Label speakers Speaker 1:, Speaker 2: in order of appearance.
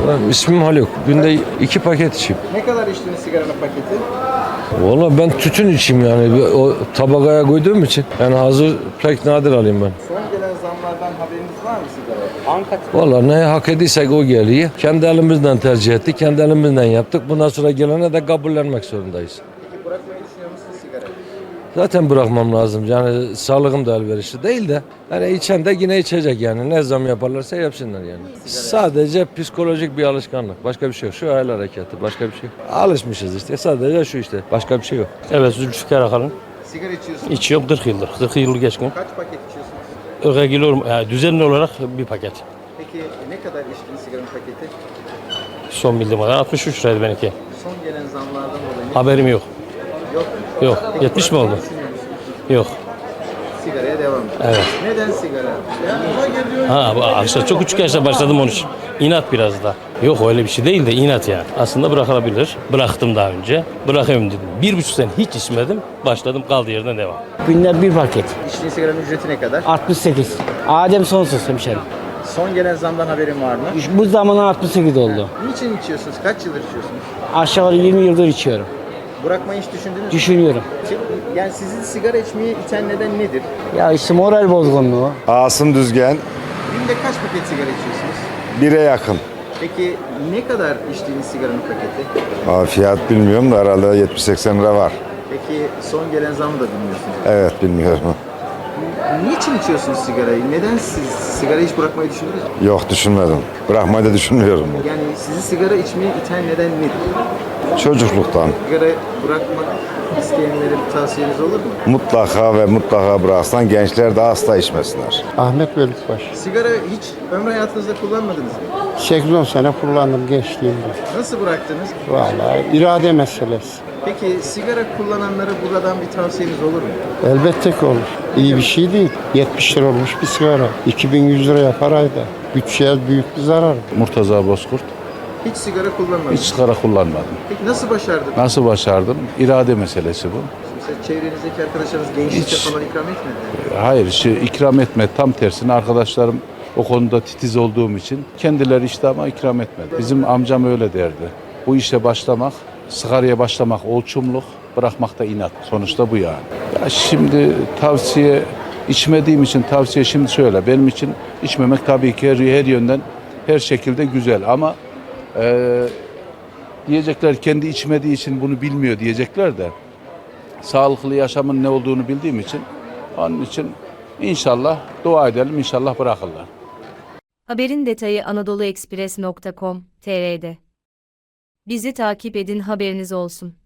Speaker 1: İsmim Haluk. Günde 2 paket içeyim.
Speaker 2: Ne kadar içtiniz sigaranın paketi?
Speaker 1: Valla ben tütün içeyim yani. O tabakaya koyduğum için. Yani hazır pek nadir alayım ben.
Speaker 2: Son gelen zamlardan haberiniz var mı sigara?
Speaker 1: Valla ne hak ediysek o geliyor. Kendi elimizden tercih ettik. Kendi elimizden yaptık. Bundan sonra gelene de kabullenmek zorundayız.
Speaker 2: Peki bırakmayı düşünüyor musunuz sigarayı?
Speaker 1: Zaten bırakmam lazım. Yani sağlığım da elverişli değil de. Yani içen de yine içecek yani. Ne zam yaparlarsa yapsınlar yani. Sadece psikolojik bir alışkanlık. Başka bir şey yok. Şu el hareketi. Başka bir şey yok. Alışmışız işte. Sadece şu işte. Başka bir şey yok.
Speaker 3: Evet, Zülfikar Akalın.
Speaker 2: Sigara içiyorsunuz.
Speaker 3: İçiyorum 40 yıldır. 40 yıl geçkin.
Speaker 2: Kaç paket içiyorsunuz?
Speaker 3: Öge geliyorum. Yani düzenli olarak bir paket.
Speaker 2: Peki ne kadar içtiniz sigaranın paketi?
Speaker 3: Son bildiğim kadar 63 liraydı benimki.
Speaker 2: Son gelen zamlardan dolayı
Speaker 3: Haberim yok.
Speaker 2: yok.
Speaker 3: Yok.
Speaker 2: Peki
Speaker 3: 70 mi oldu?
Speaker 2: bırakmayı düşünüyor musunuz?
Speaker 3: Yok.
Speaker 2: Sigaraya devam.
Speaker 3: Evet.
Speaker 2: Neden sigara?
Speaker 3: Ha, bu aslında çok küçük yaşta başladım onun için. İnat biraz da. Yok öyle bir şey değil de inat yani. Aslında bırakılabilir. Bıraktım daha önce. Bırakayım dedim. 1,5 sene hiç içmedim. Başladım kaldığı yerden devam.
Speaker 4: Günde bir paket.
Speaker 2: İçtiğiniz sigaranın ücreti ne kadar?
Speaker 4: 68. Adem sonsuz hemşerim.
Speaker 2: Son gelen zamdan haberin var mı?
Speaker 4: Bu zamana 68 oldu.
Speaker 2: Niçin içiyorsunuz? Kaç yıldır içiyorsunuz?
Speaker 4: Aşağı yukarı 20 yıldır içiyorum.
Speaker 2: Bırakmayı hiç düşündünüz mü?
Speaker 4: Düşünüyorum.
Speaker 2: Yani sizi sigara içmeye iten neden nedir?
Speaker 4: Ya işte moral bozgunluğu.
Speaker 5: Asım Düzgen,
Speaker 2: Günde kaç paket sigara içiyorsunuz?
Speaker 5: 1'e yakın.
Speaker 2: Peki ne kadar içtiğiniz sigaranın paketi?
Speaker 5: Fiyat bilmiyorum da herhalde 70-80 lira var.
Speaker 2: Peki son gelen zamı da bilmiyorsunuz.
Speaker 5: Evet, bilmiyorum.
Speaker 2: Niçin içiyorsunuz sigarayı? Neden siz sigara hiç bırakmayı düşündünüz mü?
Speaker 5: Yok, düşünmedim. Bırakmayı da düşünmüyorum.
Speaker 2: Yani sizi sigara içmeye iten neden nedir?
Speaker 5: Çocukluktan
Speaker 2: Sigara bırakmak isteyenlere bir tavsiyeniz olur mu?
Speaker 5: mutlaka ve mutlaka bıraksan gençler de asla içmesinler.
Speaker 6: Ahmet Bölükbaş.
Speaker 2: Sigara hiç ömrü hayatınızda kullanmadınız mı?
Speaker 6: 8-10 sene kullandım gençliğimde.
Speaker 2: Nasıl bıraktınız?
Speaker 6: Vallahi irade meselesi.
Speaker 2: Peki sigara kullananlara buradan bir tavsiyeniz olur mu?
Speaker 6: Elbette ki olur. İyi bir şey değil. 70 lira olmuş bir sigara. 2100 lira yapar ayda. Bütçeye büyük bir zarar.
Speaker 7: Murtaza Bozkurt.
Speaker 2: Hiç sigara kullanmadınız.
Speaker 7: Hiç sigara kullanmadım.
Speaker 2: Peki nasıl başardınız?
Speaker 7: Nasıl başardım? İrade meselesi bu.
Speaker 2: Mesela çevrenizdeki arkadaşlarınız gençlikte
Speaker 7: Hiç.
Speaker 2: falan ikram etmedi.
Speaker 7: Hayır, ikram etme. Tam tersine arkadaşlarım o konuda titiz olduğum için kendileri işte ama ikram etmedi. Bizim amcam öyle derdi. Bu işe başlamak, sigaraya başlamak olçumluk, bırakmak da inat. Sonuçta bu yani. Ya şimdi tavsiye, içmediğim için tavsiye şimdi şöyle. Benim için içmemek tabii ki her yönden, her şekilde güzel ama diyecekler kendi içmediği için bunu bilmiyor diyecekler de sağlıklı yaşamın ne olduğunu bildiğim için onun için inşallah dua edelim, inşallah bırakırlar.
Speaker 8: Haberin detayı anadoluexpress.com.tr'de. Bizi takip edin, haberiniz olsun.